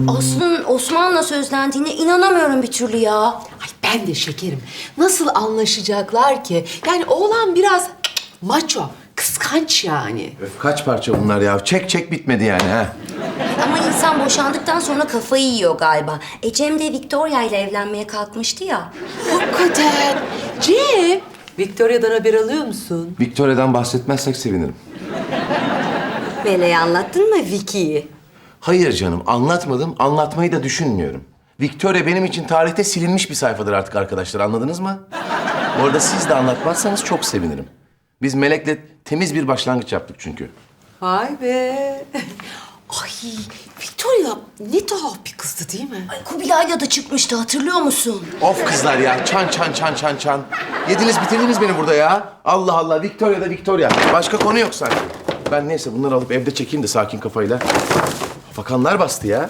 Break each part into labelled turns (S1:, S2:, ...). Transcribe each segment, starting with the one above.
S1: Aslı'nın Osman'la sözlendiğine inanamıyorum bir türlü ya.
S2: Ay ben de şekerim. Nasıl anlaşacaklar ki? Yani oğlan biraz maço, kıskanç yani.
S3: Öf, kaç parça bunlar ya? Çek bitmedi yani ha.
S1: Ama insan boşandıktan sonra kafayı yiyor galiba. Cem de Victoria ile evlenmeye kalkmıştı ya.
S2: Hakikaten. Cem, Victoria'dan haber alıyor musun?
S3: Victoria'dan bahsetmezsek sevinirim.
S1: Meleğe anlattın mı Vicky'yi?
S3: Hayır canım, anlatmadım. Anlatmayı da düşünmüyorum. Victoria benim için tarihte silinmiş bir sayfadır artık arkadaşlar. Anladınız mı? Bu arada siz de anlatmazsanız çok sevinirim. Biz Melek'le temiz bir başlangıç yaptık çünkü.
S2: Vay be. Ay Victoria ne tuhaf bir kızdı değil mi?
S1: Ay Kubilay'la da çıkmıştı hatırlıyor musun?
S3: Of kızlar ya, çan. Yediniz bitirdiniz beni burada ya. Allah Allah, Victoria da Victoria. Başka konu yok sanki. Ben neyse bunları alıp evde çekeyim de sakin kafayla. Fakanlar bastı ya.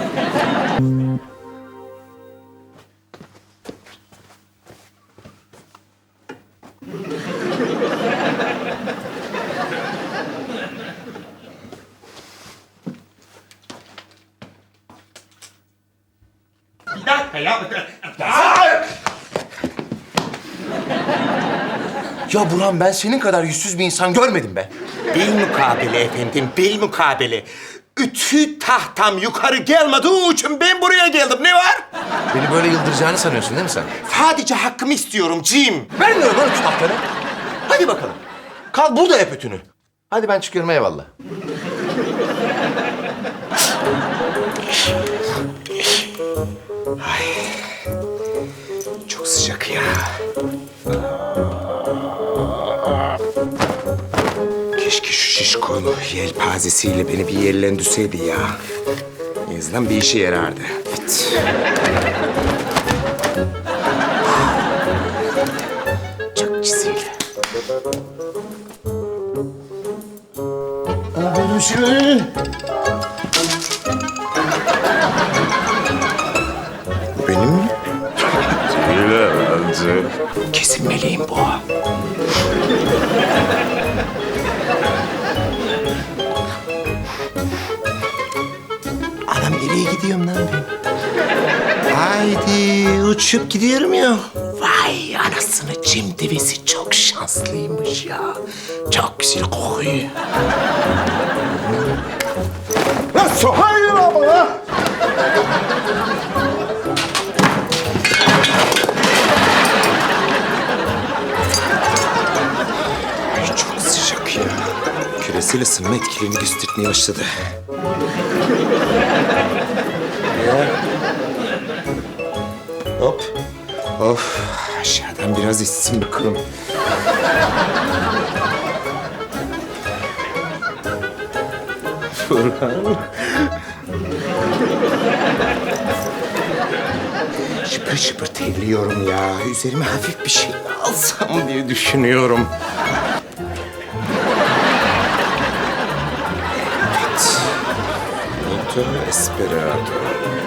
S4: Bir dakika ya.
S3: Ya Burhan, ben senin kadar yüzsüz bir insan görmedim be.
S4: Bilmukabele efendim, bilmukabele. Ütü tahtam yukarı gelmediği için ben buraya geldim. Ne var?
S3: Beni böyle yıldıracağını sanıyorsun değil mi sen?
S4: Sadece hakkımı istiyorum Jim.
S3: Vermiyorum lan ütü tahtanı. Hadi bakalım. Kal burada yap ütünü. Hadi ben çıkıyorum, eyvallah.
S4: Çok sıcak ya. Keşke şu şişkolu yelpazesiyle beni bir yerlendirseydi ya. En azından bir işe yarardı. Evet. Çok güzel. Bu benim mi? Kesin meleğim bu. Anam nereye gidiyorum lan ben? Haydi uçup gidiyorum ya. Vay anasını Cem devesi çok şanslıymış ya. Çok güzel kokuyor. Nasıl? Hayır ama. Ay, çok sıcak ya. Küresel ısınma etkilerini göstermeye başladı. Hop. Of. Aşağıdan biraz içsin bakalım. Burhan. Şıpır şıpır terliyorum ya. Üzerime hafif bir şey alsam diye düşünüyorum. Evet. Noto Esperado.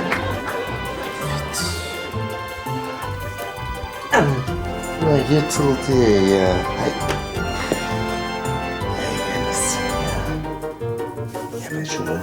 S4: Ay, yırtıldı ya. Ay. Ay anasını ya. Ya ben şunu...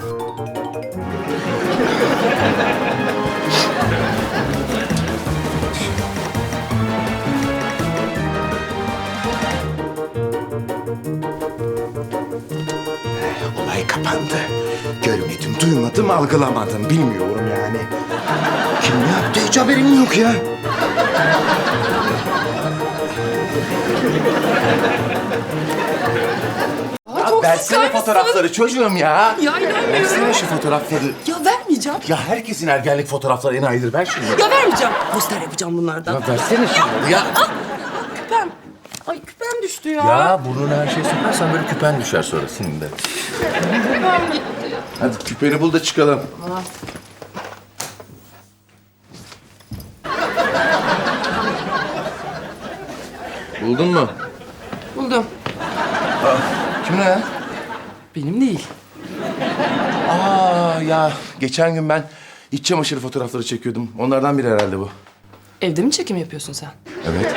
S4: Olay kapandı. Görmedim, duymadım, algılamadım. Bilmiyorum yani. Kim ne yaptı hiç haberim yok ya.
S3: Versene fotoğrafları çocuğum ya.
S2: Ya inanmıyorum.
S3: Versene şu fotoğrafları.
S2: Ya vermeyeceğim.
S3: Ya herkesin ergenlik fotoğrafları enayidir. Ver şunu.
S2: Ya vermeyeceğim. Poster yapacağım bunlardan.
S3: Ya versene şunu. Ya.
S2: Küpem. Ay küpem düştü ya.
S3: Ya burnuna her şeyi sokarsan böyle küpen düşer sonra senin de.
S2: Küpem gitti.
S3: Hadi küpeni bul da çıkalım. Buldun mu?
S2: Buldum.
S3: Kim ne ya?
S2: Benim değil.
S3: Aa ya geçen gün ben iç çamaşırı fotoğrafları çekiyordum. Onlardan biri herhalde bu.
S2: Evde mi çekim yapıyorsun sen?
S3: Evet.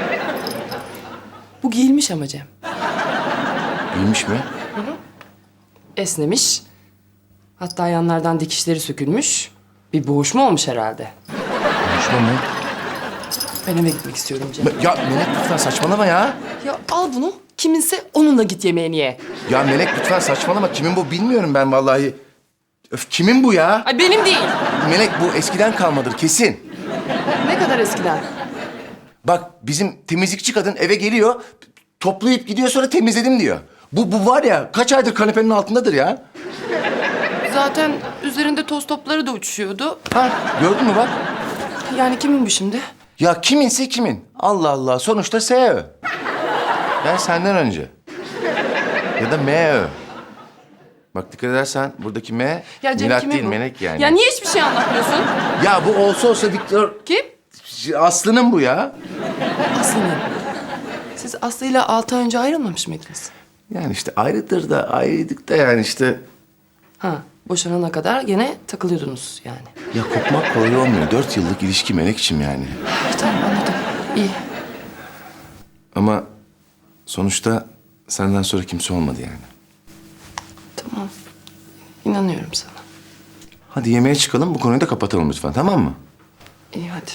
S2: Bu giyilmiş ama Cem.
S3: İyiymiş mi?
S2: Esnemiş.
S5: Hatta yanlardan dikişleri sökülmüş. Bir boğuşma olmuş herhalde.
S3: Konuşma mı?
S5: Ben eve gitmek istiyorum Cem.
S3: Ya Melek lütfen saçmalama ya.
S5: Ya al bunu. Kiminse onunla git yemeğini ye.
S3: Ya Melek lütfen saçmalama. Kimin bu bilmiyorum ben vallahi. Öf, kimin bu ya?
S5: Ay benim değil.
S3: Melek bu eskiden kalmadır kesin.
S5: Ne kadar eskiden?
S3: Bak bizim temizlikçi kadın eve geliyor, toplayıp gidiyor sonra temizledim diyor. Bu var ya kaç aydır kanepenin altındadır ya.
S5: Zaten üzerinde toz topları da uçuşuyordu.
S3: Ha gördün mü bak.
S5: Yani kimin bu şimdi?
S3: Ya kiminse kimin. Allah Allah sonuçta SÖ. Ben senden önce. Ya da MÖ. Bak dikkat edersen buradaki M
S5: Ya Cem
S3: Milat
S5: kimin
S3: değil
S5: bu?
S3: Melek yani.
S5: Ya niye hiçbir şey anlatmıyorsun?
S3: Ya bu olsa Viktor...
S5: Kim?
S3: Aslı'nın bu ya.
S5: Aslı'nın. Siz Aslı'yla 6 ay önce ayrılmamış mıydınız?
S3: Yani işte ayrıdır da ayrıydık da yani işte...
S5: Ha, boşanana kadar gene takılıyordunuz yani.
S3: Ya kopmak kolay olmuyor. 4 yıllık ilişki Melekçim yani.
S5: Ay, tamam anladım. İyi.
S3: Ama sonuçta senden sonra kimse olmadı yani.
S5: Tamam. İnanıyorum sana.
S3: Hadi yemeğe çıkalım bu konuyu da kapatalım lütfen tamam mı?
S5: İyi hadi.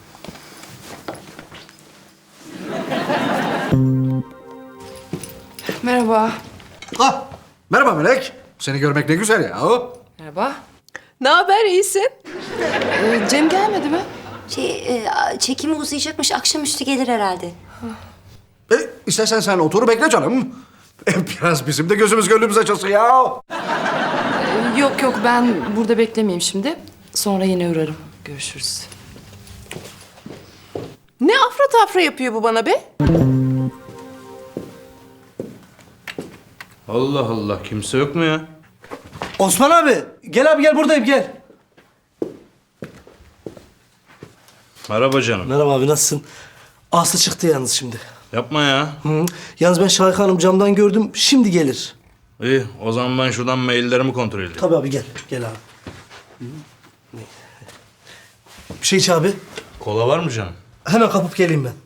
S5: Merhaba.
S6: Ah, merhaba Melek. Seni görmek ne güzel ya.
S5: Merhaba.
S2: Ne haber, iyisin?
S5: Cem gelmedi mi?
S1: Çekimi uzayacakmış. Akşamüstü gelir herhalde.
S6: İstersen sen otur bekle canım. Biraz bizim de gözümüz gönlümüz açılsın ya.
S5: Yok yok ben burada beklemeyeyim şimdi. Sonra yine uğrarım. Görüşürüz.
S2: Ne afra tafra yapıyor bu bana be?
S7: Allah Allah kimse yok mu ya?
S8: Osman abi, gel abi gel buradayım gel.
S7: Merhaba canım.
S8: Merhaba abi nasılsın? Aslı çıktı yalnız şimdi.
S7: Yapma ya.
S8: Hı. Yalnız ben Şahika Hanım camdan gördüm, şimdi gelir.
S7: İyi o zaman ben şuradan maillerimi kontrol edeyim.
S8: Tabii abi gel, gel abi. Hı. Bir şey iç abi.
S7: Kola var mı canım?
S8: Hemen kapıp geleyim ben.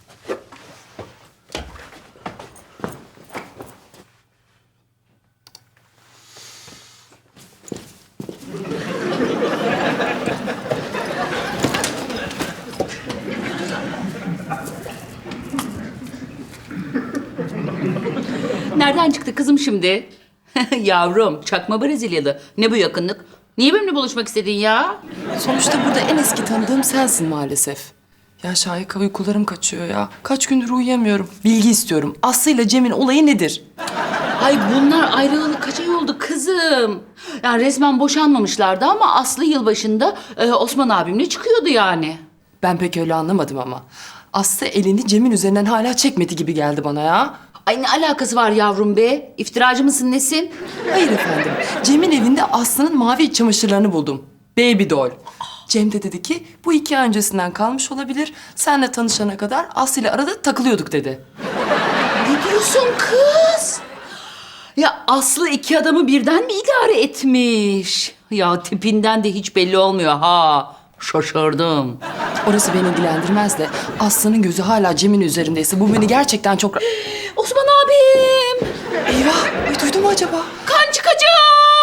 S9: Nereden çıktı kızım şimdi? Yavrum, çakma Brezilyalı. Ne bu yakınlık? Niye benimle buluşmak istedin ya?
S5: Sonuçta burada en eski tanıdığım sensin maalesef. Ya Şahika uykularım kaçıyor ya. Kaç gündür uyuyamıyorum. Bilgi istiyorum. Aslı ile Cem'in olayı nedir?
S9: Ay bunlar ayrılalı kaç ay oldu kızım? Yani resmen boşanmamışlardı ama Aslı yılbaşında Osman abimle çıkıyordu yani.
S5: Ben pek öyle anlamadım ama. Aslı elini Cem'in üzerinden hala çekmedi gibi geldi bana ya.
S9: Ay ne alakası var yavrum be? İftiracı mısın nesin?
S5: Hayır efendim. Cem'in evinde Aslı'nın mavi iç çamaşırlarını buldum. Baby doll. Cem de dedi ki bu 2 ay öncesinden kalmış olabilir. Senle tanışana kadar Aslı ile arada takılıyorduk dedi.
S9: Ne diyorsun kız? Ya Aslı 2 adamı birden mi idare etmiş? Ya tipinden de hiç belli olmuyor ha. Şaşırdım.
S5: Orası beni ilgilendirmez de Aslı'nın gözü hala Cem'in üzerindeyse bu beni gerçekten çok...
S9: Osman abim!
S5: Eyvah! Ay duydu mu acaba?
S9: Kan çıkacak!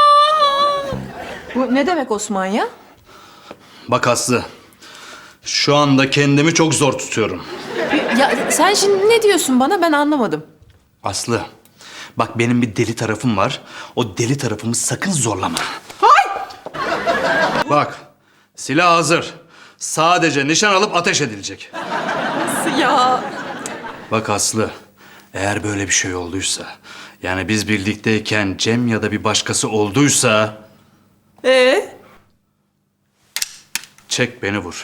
S2: Bu ne demek Osman ya?
S7: Bak Aslı. Şu anda kendimi çok zor tutuyorum.
S2: Ya sen şimdi ne diyorsun bana, ben anlamadım.
S7: Aslı. Bak benim bir deli tarafım var. O deli tarafımı sakın zorlama. Bak. Silah hazır. Sadece nişan alıp ateş edilecek.
S2: Nasıl ya?
S7: Bak Aslı. Eğer böyle bir şey olduysa... Yani biz birlikteyken Cem ya da bir başkası olduysa... Çek beni vur.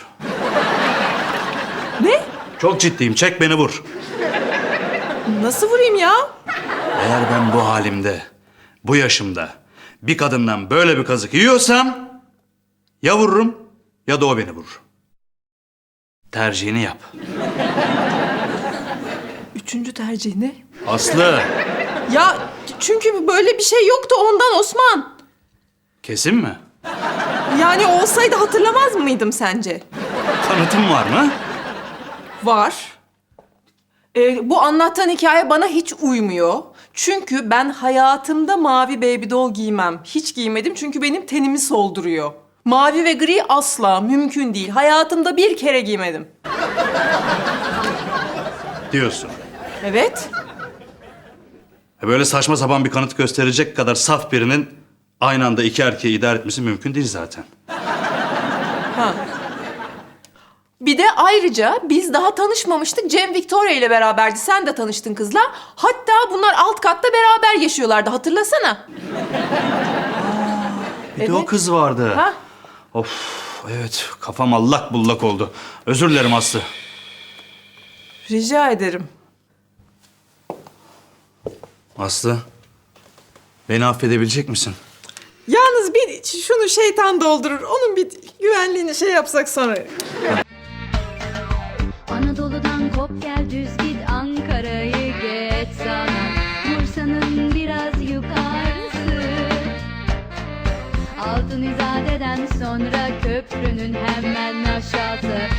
S2: Ne?
S7: Çok ciddiyim. Çek beni vur.
S2: Nasıl vurayım ya?
S7: Eğer ben bu halimde, bu yaşımda bir kadından böyle bir kazık yiyorsam... Ya vururum ya da o beni vurur. Tercihini yap.
S2: 3. tercih ne?
S7: Aslı,
S2: Ya çünkü böyle bir şey yoktu ondan Osman.
S7: kesin mi?
S2: Yani olsaydı hatırlamaz mıydım sence?
S7: Kanıtın var mı?
S2: Var. Bu anlattığın hikaye bana hiç uymuyor.
S10: Çünkü ben hayatımda mavi baby doll giymem. Hiç giymedim çünkü benim tenimi solduruyor. Mavi ve gri asla mümkün değil. Hayatımda bir kere giymedim.
S7: Diyorsun.
S10: Evet.
S7: Böyle saçma sapan bir kanıt gösterecek kadar saf birinin aynı anda iki erkeği idare etmesi mümkün değil zaten.
S10: Bir de ayrıca biz daha tanışmamıştık. Cem Victoria ile beraberdi. Sen de tanıştın kızla. Hatta bunlar alt katta beraber yaşıyorlardı. Hatırlasana.
S7: Bir de o kız vardı.
S10: Ha?
S7: Of, evet, kafam allak bullak oldu. Özür dilerim Aslı.
S10: Rica ederim.
S7: Aslı, beni affedebilecek misin?
S10: Yalnız bir şunu şeytan doldurur. Onun bir güvenliğini şey yapsak sonra.
S11: Anadolu'dan kop gel düz git Ankara'yı geç sana Bursa'nın biraz yukarısı Altın İzade'den sonra köprünün hemen aşağısı